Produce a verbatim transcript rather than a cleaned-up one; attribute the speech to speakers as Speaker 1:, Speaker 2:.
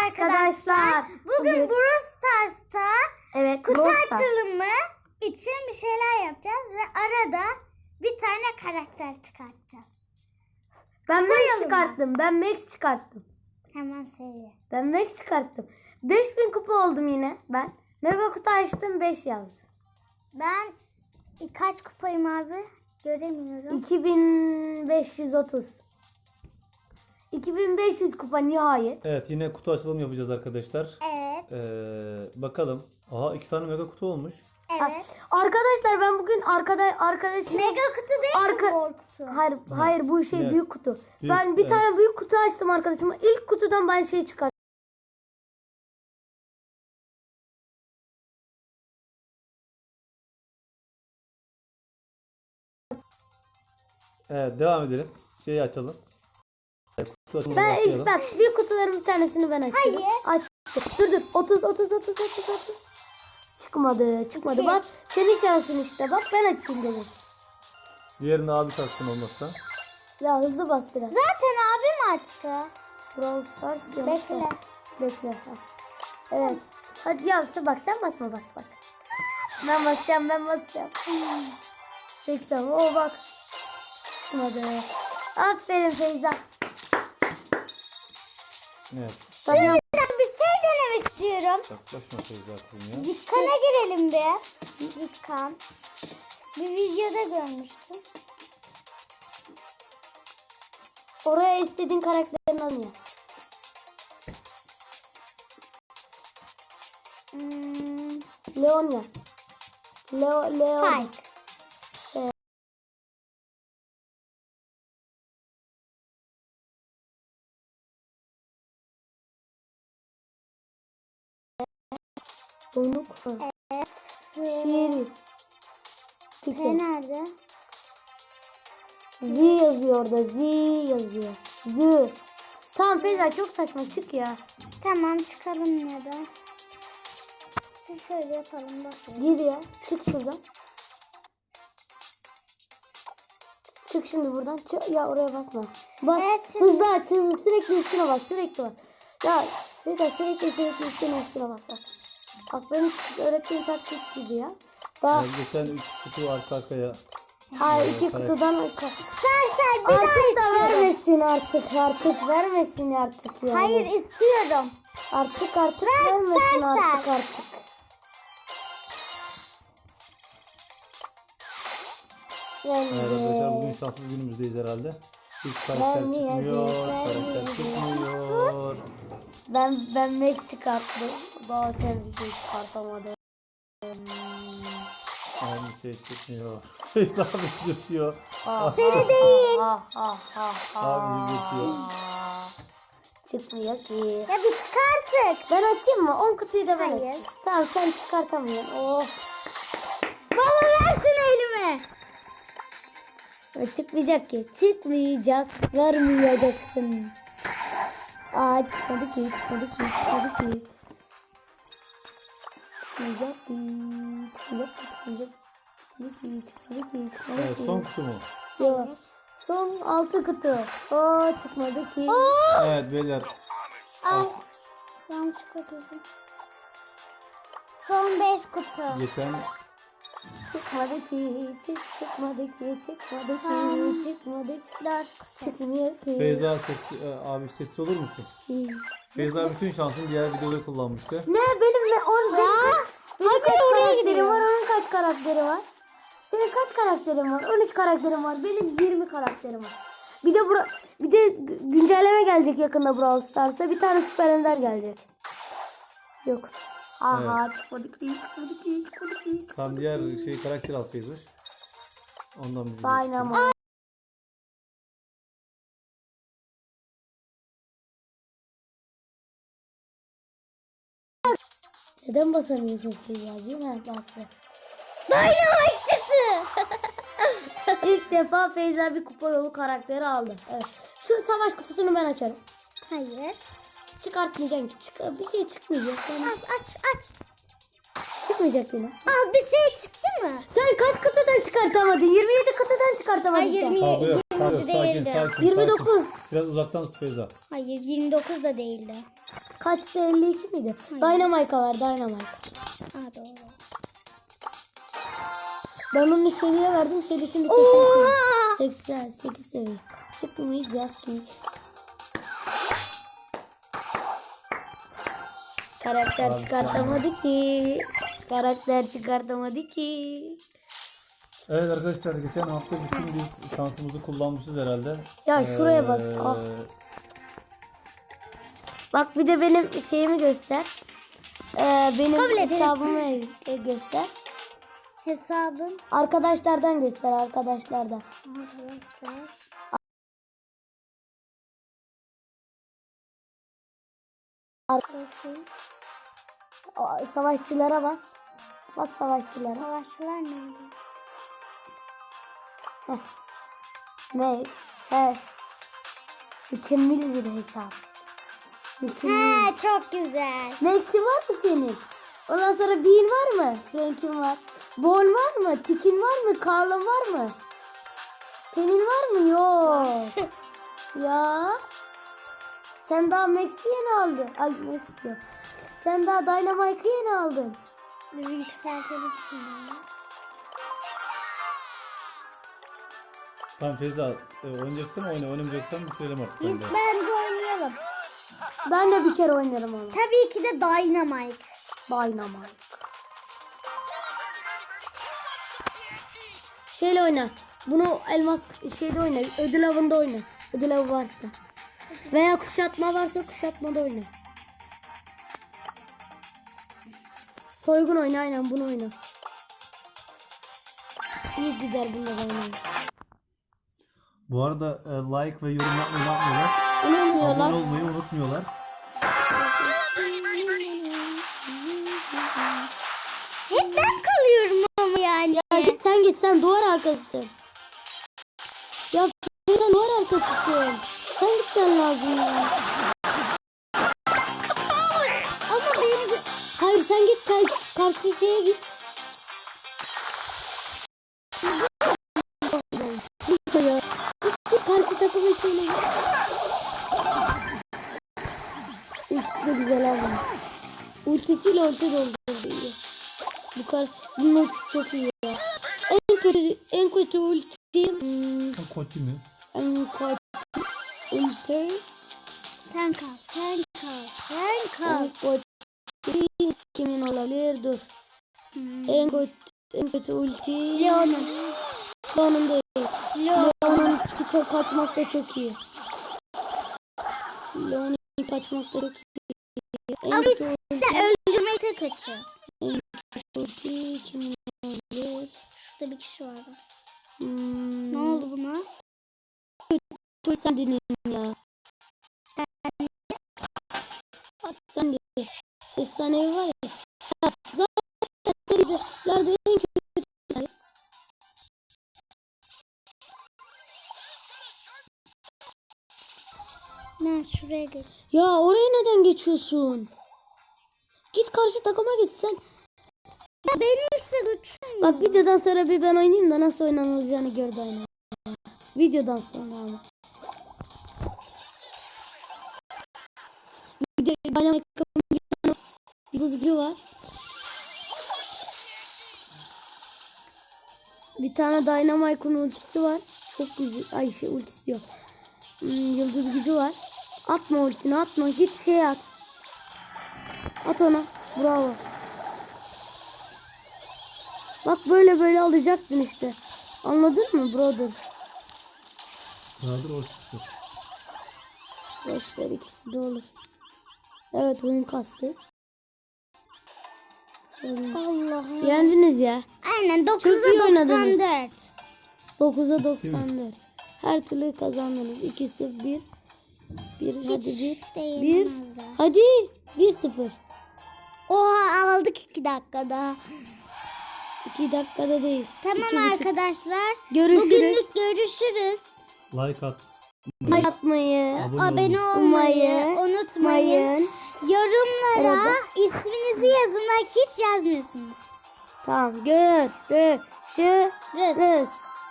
Speaker 1: arkadaşlar. Bugün, Bugün Brawl Stars'ta
Speaker 2: evet,
Speaker 1: kutu açılımı için bir şeyler yapacağız ve arada bir tane karakter çıkartacağız.
Speaker 2: Ben Max çıkarttım. Ben Max çıkarttım.
Speaker 1: Hemen söyle.
Speaker 2: Ben Max çıkarttım. beş bin kupa oldum yine ben. Mega kutu açtım, beş yazdı.
Speaker 1: Ben kaç kupayım abi? Göremiyorum.
Speaker 2: iki bin beş yüz otuz. iki bin beş yüz kupa nihayet.
Speaker 3: Evet, yine kutu açılımı yapacağız arkadaşlar.
Speaker 1: Evet.
Speaker 3: Ee, bakalım. Aha, iki tane mega kutu olmuş.
Speaker 1: Evet.
Speaker 2: Arkadaşlar ben bugün arkada arkadaşım
Speaker 1: Mega kutu değil
Speaker 2: Arka...
Speaker 1: mi? Mor kutu.
Speaker 2: Hayır, hayır bu şey
Speaker 3: Evet.
Speaker 2: büyük kutu.
Speaker 3: Büyük,
Speaker 2: ben bir
Speaker 3: evet.
Speaker 2: tane büyük kutu açtım arkadaşıma. İlk kutudan ben şey çıkarttım.
Speaker 3: Evet, devam edelim. Şeyi açalım. Kutu açılımına
Speaker 2: Ben
Speaker 3: başlayalım.
Speaker 2: işte bak büyük kutuların bir tanesini ben açtım.
Speaker 1: Hayır.
Speaker 2: Açtım. Dur dur. otuz otuz otuz otuz otuz. Çıkmadı. Çıkmadı.
Speaker 1: İki.
Speaker 2: Bak senin şansın işte. Bak ben açayım dedim.
Speaker 3: Diğerini abi açsın olmazsa.
Speaker 2: Ya hızlı bas biraz.
Speaker 1: Zaten abim açtı.
Speaker 2: Brawl Stars. yok.
Speaker 1: Bekle.
Speaker 2: Bekle. Ha. Evet. Hadi yavsa bak sen basma bak bak. Ben basacağım ben basacağım. seksen. Oo bak. Çıkmadı. Aferin Feyza.
Speaker 3: Evet.
Speaker 2: Tamam.
Speaker 1: Ben bir şey denemek istiyorum.
Speaker 3: Yaklaşma Feyza kızım ya.
Speaker 1: Dükkan'a girelim bir. Dükkan. Bir videoda görmüştüm.
Speaker 2: Oraya istediğin karakterini al ya.
Speaker 1: Hmm,
Speaker 2: Leon yaz. Leo, Leon.
Speaker 1: Spike.
Speaker 2: Donuk.
Speaker 1: Evet.
Speaker 2: Şiiri.
Speaker 1: P
Speaker 2: Peki.
Speaker 1: nerede?
Speaker 2: Z yazıyor orada. Z yazıyor. Z. Tamam Feyza çok saçma çık ya.
Speaker 1: Tamam çıkalım ya da. Şöyle yapalım bakayım.
Speaker 2: Gir ya. Çık şuradan. Çık şimdi buradan. Çık. Ya oraya basma. Bas.
Speaker 1: Evet, şimdi-
Speaker 2: Hızlı aç. Hızlı. Sürekli üstüne bas. Sürekli bas. Ya Feyza sürekli sürekli üstüne üstüne bas. Bak. Bak benim öğrettiğim taktik gibi ya. Daha
Speaker 3: Ya geçen üç kutu arka arkaya.
Speaker 2: hayır iki
Speaker 3: karak-
Speaker 2: kutudan
Speaker 1: Serser bir daha
Speaker 2: artık da
Speaker 1: istiyorum.
Speaker 2: vermesin artık artık vermesin artık yani.
Speaker 1: Hayır istiyorum.
Speaker 2: Artık artık
Speaker 1: Ver,
Speaker 2: vermesin
Speaker 1: ver,
Speaker 2: artık
Speaker 1: ver.
Speaker 2: artık.
Speaker 3: Evet arkadaşlar, bugün
Speaker 2: Yani
Speaker 3: şanssız günümüzdeyiz herhalde. Hiç karakter
Speaker 2: Ben niye
Speaker 3: çıkmıyor.
Speaker 2: yazık, ben
Speaker 3: Karakter
Speaker 2: niye
Speaker 3: çıkmıyor.
Speaker 2: ben ben Meksik attım. Daha sen bir şey çıkartamadım.
Speaker 3: Aynı şey çıkmıyor. Feyza abi dürtüyor.
Speaker 2: Ah,
Speaker 1: Seni
Speaker 2: ah,
Speaker 1: değil.
Speaker 2: ah, ah, ah, ah.
Speaker 3: Abi dürtüyor.
Speaker 2: Çıkmıyor ki.
Speaker 1: Ya bir çık artık.
Speaker 2: Ben açayım mı? on kutuyu da ben
Speaker 1: Hayır.
Speaker 2: açayım. Tamam sen çıkartamıyorsun. Oh.
Speaker 1: Baba ver şunu elime.
Speaker 2: Ya çıkmayacak ki. Çıkmayacak. Vermeyeceksin. Aa çıkmadı ki. Çıkmadı ki. Çıkmadı ki. Çıkmayacak ki. Çıkmayacak ki. Çıkmayacak ki. Çıkmadı ki. Çıkmadı
Speaker 3: Evet,
Speaker 2: ki.
Speaker 3: son kutu mu?
Speaker 2: Yok. Son altı kutu. Oo çıkmadı ki.
Speaker 3: Evet beyler.
Speaker 1: Ay. Yanlışlıkla girdim. Son beş kutu.
Speaker 3: Geçen
Speaker 2: Çıkmadı ki. Çık, çıkmadı ki. Çıkmadı ki. Çıkmadı ki.
Speaker 1: Dört kutu.
Speaker 2: Çıkmıyor ki.
Speaker 3: Feyza ses, e, abi sessiz olur musun? Feyza bütün şansını diğer videoda kullanmıştı.
Speaker 2: Ne benim ne on benim kaç, benim
Speaker 1: Hadi
Speaker 2: kaç
Speaker 1: oraya
Speaker 2: karakterim
Speaker 1: gidiyor.
Speaker 2: var, onun kaç karakteri var? Senin kaç karakterin var? on üç karakterim var. Benim yirmi karakterim var. Bir de bura, bir de g- güncelleme gelecek yakında Brawl Stars'a. Bir tane Süper Ender gelecek. Yok. Aha çıkmadı ki, çıkmadı ki, çıkmadı ki.
Speaker 3: Tam diğer şey karakter al Feyza. Ondan bizim.
Speaker 2: Dynamo. Neden basamıyorsun Feyza'cığım? Ha bastı.
Speaker 1: Dynamite çıktı.
Speaker 2: İlk defa Feyza bir kupa yolu karakteri aldı. Evet. Şu savaş kutusunu ben açarım.
Speaker 1: Hayır.
Speaker 2: Çıkartmayacaksın ki. Çık bir şey çıkmayacak. Yani
Speaker 1: Aç aç aç.
Speaker 2: çıkmayacak yine.
Speaker 1: Al bir şey çıktı mı?
Speaker 2: Sen kaç kutudan çıkartamadın? yirmi yedi kutudan çıkartamadın.
Speaker 1: Hayır,
Speaker 2: sen.
Speaker 1: yirmi-
Speaker 3: Kavga yok, kavga yok. Sakin,
Speaker 1: değildi.
Speaker 3: sakin,
Speaker 2: yirmi
Speaker 3: sakin.
Speaker 2: dokuz.
Speaker 3: Biraz uzaktan tut Feyza.
Speaker 1: Hayır yirmi dokuz da değildi.
Speaker 2: Kaçtı, elli iki miydi? Dynamite'a var, Dynamite.
Speaker 1: Ha doğru.
Speaker 2: Ben onu seviye verdim. Serisini
Speaker 1: Oha!
Speaker 2: seksen sekiz seviye. Çıkmayacak ki. Karakter
Speaker 3: Abi,
Speaker 2: çıkartamadı ki. Karakter çıkartamadı ki.
Speaker 3: Evet arkadaşlar, geçen hafta bütün biz şansımızı kullanmışız herhalde.
Speaker 2: Ya şuraya bas.
Speaker 3: Ee,
Speaker 2: Ah. Bak bir de benim şeyimi göster. Ee, benim
Speaker 1: Kabul ederim.
Speaker 2: hesabımı e- göster.
Speaker 1: Hesabım.
Speaker 2: Arkadaşlardan göster, arkadaşlardan.
Speaker 1: Arkadaşlar. Bakayım.
Speaker 2: O, savaşçılara bas. Bas savaşçılara.
Speaker 1: Savaşçılar nerede?
Speaker 2: Ne? He. Mükemmel bir hesap. Mükemmel.
Speaker 1: Ha çok güzel.
Speaker 2: Max'i var mı senin? Ondan sonra Bean var mı? Frank'in var. Ball var mı? Tikin var mı? Carl'ın var mı? Senin var mı? Yok. Ya. Sen daha Max'i yeni aldın. Ay Max diyor. Sen daha Dynamite'ı yeni aldın.
Speaker 1: Bir yükseltelim şimdi.
Speaker 3: Tamam Feyza, e, oynayacaksan oyna, oynamayacaksan bitirelim artık.
Speaker 1: İlk
Speaker 3: bence.
Speaker 1: bence oynayalım.
Speaker 2: Ben de bir kere oynarım onu.
Speaker 1: Tabii ki de Dynamite.
Speaker 2: Dynamite. Şeyle oyna. Bunu elmas şeyde oyna. Ödül avında oyna. Ödül avı varsa. Veya kuşatma varsa kuşatmada oyna. Soygun oyna, aynen bunu oyna. İyi gider bunda da oynayın.
Speaker 3: Bu arada e, like ve yorum yapmayı unutmuyorlar.
Speaker 2: Onu
Speaker 3: Abone
Speaker 2: oynuyorlar.
Speaker 3: olmayı unutmuyorlar.
Speaker 1: Hep ben kalıyorum ama yani.
Speaker 2: Ya git sen git sen duvar arkasısın. Ya sen duvar arkasısın. Sen gitmen lazım ya.
Speaker 1: Ama beni
Speaker 2: Hayır sen git kar- karşı şeye git. Ya. Git karşı takımın şeyine git. Ultisi de güzel ama. Ultisiyle ulti doldurdu iyi. Bu kadar bunun ultisi çok iyi ya. En kötü en kötü ulti hmm,
Speaker 3: Kötü mü?
Speaker 2: en kötü ulti
Speaker 1: sen kal, sen kal, sen kal.
Speaker 2: en kötü kimin olabilir? Dur.
Speaker 1: Hmm.
Speaker 2: En kötü en kötü ulti
Speaker 1: Leon'un.
Speaker 2: Leon'un değil.
Speaker 1: Leon.
Speaker 2: Leon'un çok kaçmak da çok iyi. Leon'un kaçmak da çok iyi. En
Speaker 1: Ama
Speaker 2: kötü
Speaker 1: size öldürmek de kötü.
Speaker 2: ulti kimin olabilir?
Speaker 1: Şurada bir kişi vardı.
Speaker 2: Hmm,
Speaker 1: Ne oldu buna?
Speaker 2: Dur sen dinleyin ya. Sen de efsanevi var ya. Ha, zaten serilerde en kötü.
Speaker 1: Ben şuraya geç.
Speaker 2: Ya oraya neden geçiyorsun? Git karşı takıma git sen.
Speaker 1: Ya beni işte götürün.
Speaker 2: Bak videodan sonra bir ben oynayayım da nasıl oynanılacağını gör de oyna. Videodan sonra ama. Bir de Dynamite bir tane yıldız gücü var. Bir tane Dynamite'ın ultisi var. Çok güzel. Ay şey ultisi diyor. Hmm, yıldız gücü var. Atma ultini atma. Git şey at. At ona. Bravo. Bak böyle böyle alacaktın işte. Anladın mı brother?
Speaker 3: Nadir o çıktı.
Speaker 2: Boşver ikisi de olur. Evet oyun kastı.
Speaker 1: Allah'ım.
Speaker 2: Yendiniz ya.
Speaker 1: Aynen
Speaker 2: Çok iyi
Speaker 1: dokuza
Speaker 2: oynadınız.
Speaker 1: doksan dört.
Speaker 2: dokuza doksan dört. Her türlü kazandınız. ikisi bir. bir hadi bir.
Speaker 1: de
Speaker 2: bir.
Speaker 1: yenemezler.
Speaker 2: Hadi bir sıfır.
Speaker 1: Oha aldık iki dakikada.
Speaker 2: iki dakikada değil.
Speaker 1: Tamam
Speaker 2: İki buçuk.
Speaker 1: arkadaşlar.
Speaker 2: Görüşürüz.
Speaker 1: Bugünlük görüşürüz.
Speaker 3: Like at.
Speaker 2: Like atmayı,
Speaker 3: Abone
Speaker 1: Abone
Speaker 3: olun.
Speaker 1: olmayı
Speaker 2: Olmayı
Speaker 1: unutmayın.
Speaker 2: unutmayın.
Speaker 1: Yorumlara
Speaker 2: Arada.
Speaker 1: isminizi yazın. Hiç yazmıyorsunuz.
Speaker 2: Tamam görüşürüz.